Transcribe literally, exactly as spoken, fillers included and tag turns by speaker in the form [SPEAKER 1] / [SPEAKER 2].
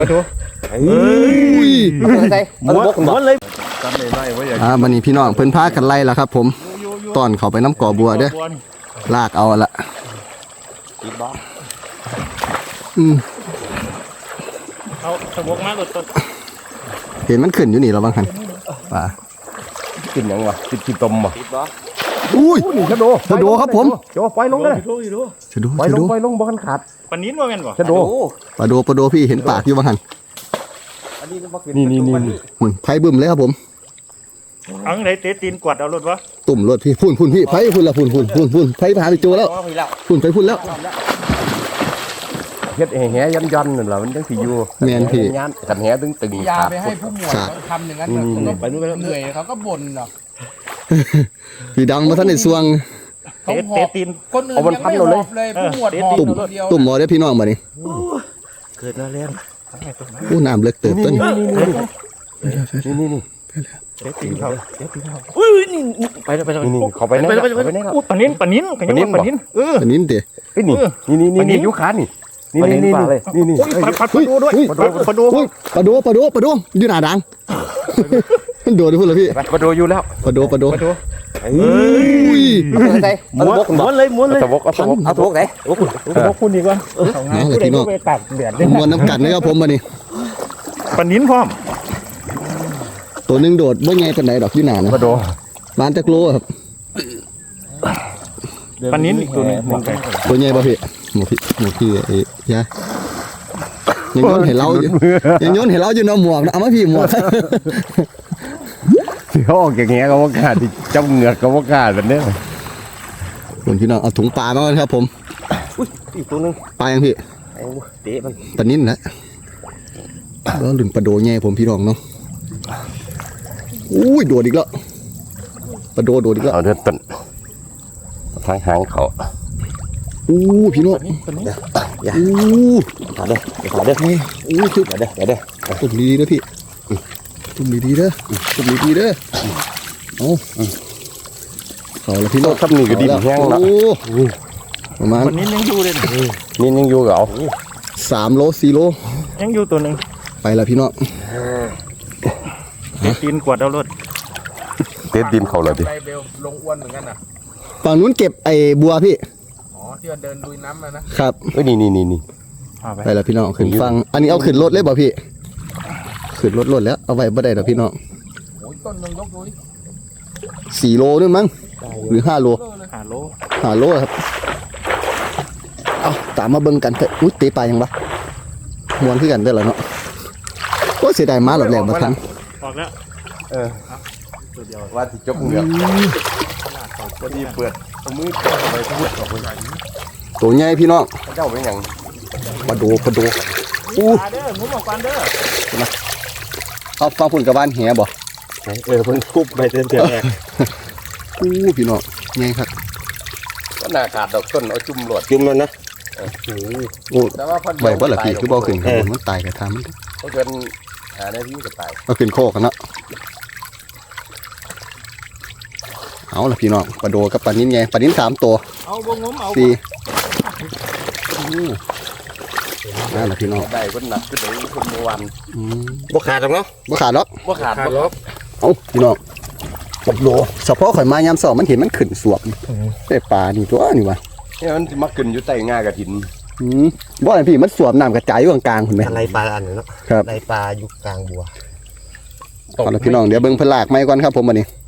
[SPEAKER 1] มาดูเฮ้ยใส่ม้วนม้วนเลยอ่าวันนี้พี่น้องเพิ่นพากันไล่แล้วครับผมตอนเขาไปน้ำก่อบัวเด้อลากเอาละอืม
[SPEAKER 2] เอาสมกมาหลุดต้น
[SPEAKER 1] เห็นมันขึ้นอยู่นี่เราบางคันป่า
[SPEAKER 3] กินยังวะกินกินต้มบ่
[SPEAKER 1] อุ้ยชะโดชะโดครับผม
[SPEAKER 3] โจปล่อยลงเลย
[SPEAKER 1] ชะโด
[SPEAKER 3] ปล่อยลงปล่อยลงบ่กันขาด
[SPEAKER 2] ปนินว่าแม่นบ่
[SPEAKER 3] ชะโด
[SPEAKER 1] ปลาโดปลาโดพี่เห็นปากอยู่บางคัน
[SPEAKER 3] นี่นี่นี่
[SPEAKER 1] หุ่นไผ่บึ้มเลยครับผม
[SPEAKER 2] เอาไหนเตะตีนกวาดเอารถวะ
[SPEAKER 1] ตุ่มรถพี่พุ่นพุ่นพี่ไผ่พุ่นละพุ่นพุ่นพุ่นพุ่นไผ่พาไปโจแล้วพุ่นไผ่พุ่นแล้ว
[SPEAKER 3] เฮ็ดแห่ยันยันนั่นแหละมันจังสิอยู่
[SPEAKER 1] แม่นพี่
[SPEAKER 3] กันแห่ตึงตึง
[SPEAKER 4] ยาไปให้ผู้หมวดทำอย่างนั้นไปเหนื่อยเขาก็บ่นหรอก
[SPEAKER 1] พี่ดังมาท่านในสวง
[SPEAKER 2] เตะเตะตีน
[SPEAKER 4] คนอื่นยังไม่หอบเลยผู้หมวดหอบ
[SPEAKER 1] ตุ่มตุ่มหมอได้พี่น้องมาดิ
[SPEAKER 3] เกิดมาแล้ว
[SPEAKER 1] อู้น้ำเล็กเติบต้น
[SPEAKER 3] นี่นี่นี่
[SPEAKER 2] เตะตีนเขาเตะตีนเขา
[SPEAKER 3] อุ้ยนี่ไปแล้วไปแล้วนี่เขาไปไหนไปไหน
[SPEAKER 2] อู้ปนินปนินปนินปนินเออ
[SPEAKER 1] ปนินเตะ
[SPEAKER 3] เฮ้ยนี่นี่นี่นี่ยุคขานี่นี่นี่นี่นี่นี่
[SPEAKER 2] ปลาปลาดูด้วยปลาดูปลาดู
[SPEAKER 1] ปลาดูปลาดูปลาดูอยู่หน้าดังโดดพูดเลยพี่
[SPEAKER 3] ปลาดูอยู่แล้ว
[SPEAKER 1] ปลาดูปลาดู
[SPEAKER 2] เฮ้ย
[SPEAKER 3] ใส่ม้วนม้วนเลยม้วนเลยตะบกเอาตะบกเอาตะบกไหน
[SPEAKER 2] ตะบกคุณดีกว่า
[SPEAKER 1] น้องเลยพี่น้องม้วนน้ำกัดเลยครับผมมาดิ
[SPEAKER 2] ปนินพร้อม
[SPEAKER 1] ตัวนึงโดดบ่ไงเป็นไหนดอกอยู่หน้านะ
[SPEAKER 3] ปลาดู
[SPEAKER 1] บ้านตะโกรครับ
[SPEAKER 2] ปนินอีกตัวนึง
[SPEAKER 1] ตัวใหญ่ป่ะพี่หมูพี่หมูพี่ไอ้ยะยังย้อนเห็นเรายังย้อนเห็นเราอยู่ในหมวกนะเอามาพี่หมวก
[SPEAKER 3] ที่ห้องอย่างเงี้ยก็ว่ากาดที่จ้าเหงือกก็ว่ากาดแบบนี้
[SPEAKER 1] คุณพี่น้องเอาถุงปลามาก่อนครับผม
[SPEAKER 3] อุ้ยอีกตัวนึง
[SPEAKER 1] ปลายังพี่
[SPEAKER 3] เตะมัน
[SPEAKER 1] ปลานิ่นนะแล้วหลุนปลาโดแง่ผมพี่น้องเนาะอุ้ยโดดอีกแล้วปลาโดโดดอีกแล้ว
[SPEAKER 3] เอาเดินต้นทางหางเขา
[SPEAKER 1] อู้พี่น้อง
[SPEAKER 3] อย่าอู้ขาเด้อขาเด้อ
[SPEAKER 1] อู้จุด
[SPEAKER 3] เด้อเด้อ
[SPEAKER 1] ตุ่มดีๆเด้อพี่ตุ่มดีๆเด้อตุ่มดีๆเด้อเอาเขาแล้วพี่น้อง
[SPEAKER 3] ทำนี่ก็ดิบแห้งแล้ว
[SPEAKER 1] ประมาณ
[SPEAKER 2] วันนี้ยังอยู่เลย
[SPEAKER 3] นี่ยังอยู่กับเอา
[SPEAKER 1] สามโลสี่โล
[SPEAKER 2] ยังอยู่ตัวหนึ่ง
[SPEAKER 1] ไปแล้วพี่น้อง
[SPEAKER 2] เตะตีนกวาดเอารถ
[SPEAKER 3] เตะดินเขาเลยดิ
[SPEAKER 4] ไปเบลลงอ้วนเหมือนกันอ่ะ
[SPEAKER 1] ฝั่งนู้นเก็บไอ้บัวพี่
[SPEAKER 4] อ๋อที่เดินลุยน้ำมานะครับ
[SPEAKER 3] เอ้ยนี่นี่นี่นี่
[SPEAKER 1] ไปแล้วพี่น้องขึ้นฟังอันนี้เอาขึ้นรถเลยบ่พี่ขึ้นรถรถแล้วเอาไว้บ่ได้หรอกพี่น้อง
[SPEAKER 4] โอ้ยต้นนึงยกดูดิ
[SPEAKER 1] สี่โลนึงมั้งหรือห้าโล
[SPEAKER 2] ห้าโล
[SPEAKER 1] ห้าโลครับเอาตามมาเบิ่งกันเถอะอุ้ยตีปลายังวะมวนขึ้นกันได้แล้วเนาะก็เสียดายม้าหลอดแหลมมาทัน
[SPEAKER 2] ออกแล้ว
[SPEAKER 3] เออว่าที่จบเหงือกพอดีเปิดมือไปพูดกับคน
[SPEAKER 1] ตัวใหญ่พี่น้อง
[SPEAKER 3] เจ้าเป็นอย่าง
[SPEAKER 1] ปลาโดปลาโด
[SPEAKER 2] อู้เด้อมุ้งออกกันเด้อ
[SPEAKER 1] เอาฟังพุ่นกับบ้านแหบ่
[SPEAKER 3] เออเพิ่งคุบไปเต็มเต็มแรก
[SPEAKER 1] อู้พี่น้องใหญ่ครับ
[SPEAKER 3] ก็น่าขาดดอกต้นเอาจุ่มหลวดจุ่มแล้วนะ
[SPEAKER 1] โอ้ใบบ่ละพี่คือบ่ขึ้นครับมันตายกับทำมัน
[SPEAKER 3] ก็เกินหาได้ที่ก็ตาย
[SPEAKER 1] เอาขึ้นโคกันเนาะเอาละพี่น้องปลาโดกับปลานิ้นไงปลานิ้นสามตัว
[SPEAKER 2] เอาบงงมเอา
[SPEAKER 1] สี่นั่นแหละพี่น้อง
[SPEAKER 3] ได้คนหนักก็ได้คนเมื่อวันบ่ขาดหรอกเนาะ
[SPEAKER 1] บ่ขาดหรอก
[SPEAKER 3] บ่ขาดหรอก
[SPEAKER 1] เอาพี่น้องปลาโดเฉพาะข่อยมายามสองมันเห็นมันขึ้นสวบแต่ปลานี่ตัวนี่วะ
[SPEAKER 3] เนี่ยมันมาขึ้นอยู่ใต้ง่ากระถิน
[SPEAKER 1] อืมบ่ไอ้พี่มันสวบน้ำกระจายอยู่กลางๆเห็นไหม
[SPEAKER 3] อะไรปลาอันนี้เนาะ
[SPEAKER 1] ครับ
[SPEAKER 3] อะไรปลาอยู่กลางบัว
[SPEAKER 1] เอาละพี่น้องเดี๋ยวเบิ่งพลากไม้ก่อนครับผมวันนี้